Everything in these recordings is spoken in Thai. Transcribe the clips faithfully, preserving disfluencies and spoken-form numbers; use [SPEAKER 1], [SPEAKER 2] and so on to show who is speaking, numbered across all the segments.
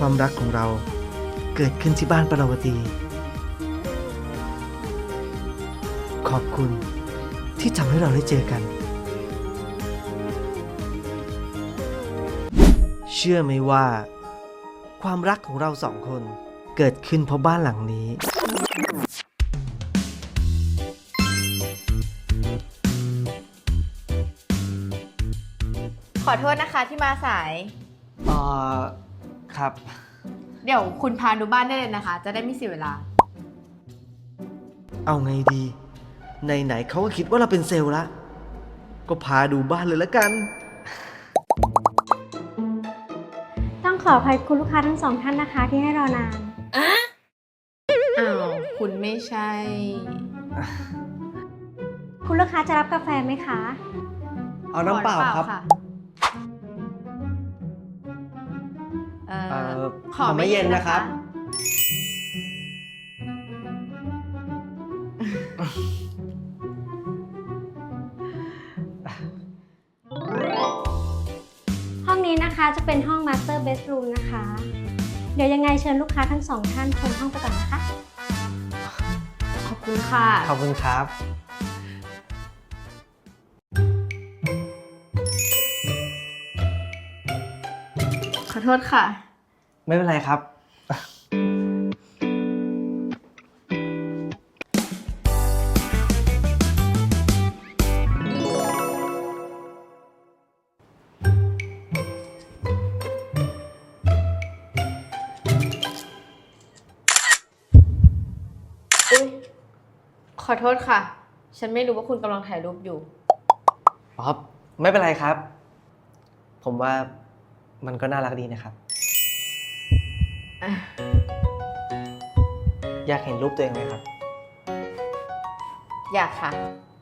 [SPEAKER 1] ความรักของเราเกิดขึ้นที่บ้านปราวตีขอบคุณที่ทำให้เราได้เจอกันเชื่อไหมว่าความรักของเราสองคนเกิดขึ้นเพราะบ้านหลังนี้
[SPEAKER 2] ขอโทษนะคะที่มาสาย
[SPEAKER 1] เอ่อครับ
[SPEAKER 2] เดี๋ยวคุณพาดูบ้านได้เลยนะคะ จะได้ไม่เสียเวลา
[SPEAKER 1] เอาไงดีไหนๆเขาก็คิดว่าเราเป็นเซลล์ละก็พาดูบ้านเลยละกัน
[SPEAKER 3] ต้องขออภัยคุณลูกค้าทั้งสองท่านนะคะที่ให้รอนาน
[SPEAKER 2] อ้าว คุณไม่ใช่
[SPEAKER 3] คุณลูกค้าจะรับกาแฟไหมคะ
[SPEAKER 1] เอาน้ำเปล่าครับ
[SPEAKER 2] ะเอ่
[SPEAKER 1] เอ่
[SPEAKER 2] อ
[SPEAKER 1] อ
[SPEAKER 2] ขอไม่เย็นนะครับ
[SPEAKER 3] ห้องนี้นะคะจะเป็นห้อง Master Bedroom นะคะ เดี๋ยวยังไงเชิญลูกค้าทั้งสองท่านชมห้องไปก่อนนะคะ
[SPEAKER 2] ขอบคุณค่ะ
[SPEAKER 1] ขอบคุณครับ
[SPEAKER 2] ขอโทษค่ะ
[SPEAKER 1] ไม่เป็นไรครับ
[SPEAKER 2] อุ๊ย ขอโทษค่ะ ฉันไม่รู้ว่าคุณกำลังถ่ายรูปอยู่
[SPEAKER 1] อ๋อ ไม่เป็นไรครับ ผมว่ามันก็น่ารักดีนะครับ
[SPEAKER 2] อ่ะ
[SPEAKER 1] อยากเห็นรูปตัวเองไหมครับ
[SPEAKER 2] อยากค่ะ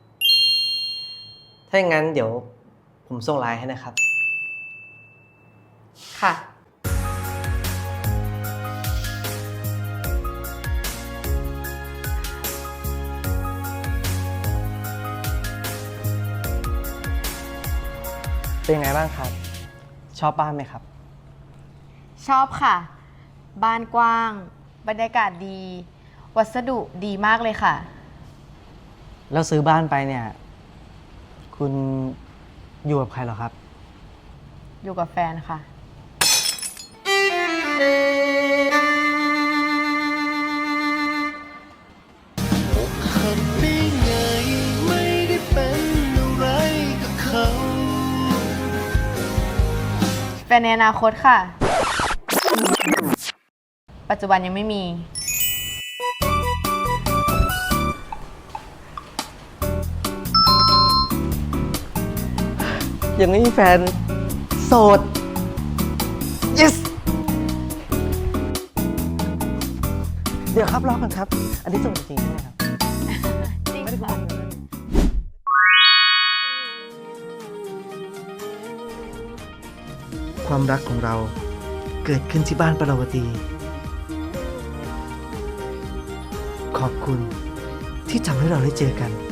[SPEAKER 1] ถ้าอย่างนั้นเดี๋ยวผมส่งไลน์ให้นะครับ
[SPEAKER 2] ค่ะ
[SPEAKER 1] เป็นยังไงบ้างครับ ชอบบ้านไหมครับ
[SPEAKER 2] ชอบค่ะ บ้านกว้าง บรรยากาศดี วัสดุดีมากเลยค่ะ
[SPEAKER 1] แล้วซื้อบ้านไปเนี่ย คุณอยู่กับใครเหรอครับ
[SPEAKER 2] อยู่กับแฟนค่ะ
[SPEAKER 4] หักได้ไงไม่ได้เป็นอะไรกับเขา
[SPEAKER 2] แฟนในอนาคตค่ะ ปัจจุบันยังไม่มี
[SPEAKER 1] ยังไม่มีแฟน โสด yes เดี๋ยวครับรอก่อนครับ อันนี้โสดจริงใช่ไหมครับ
[SPEAKER 2] จริง
[SPEAKER 1] ไม่ได้โก
[SPEAKER 2] ค่ะ
[SPEAKER 1] หกเลยความรักของเราเกิดขึ้นที่บ้านปราวตีขอบคุณที่ทำให้เราได้เจอกัน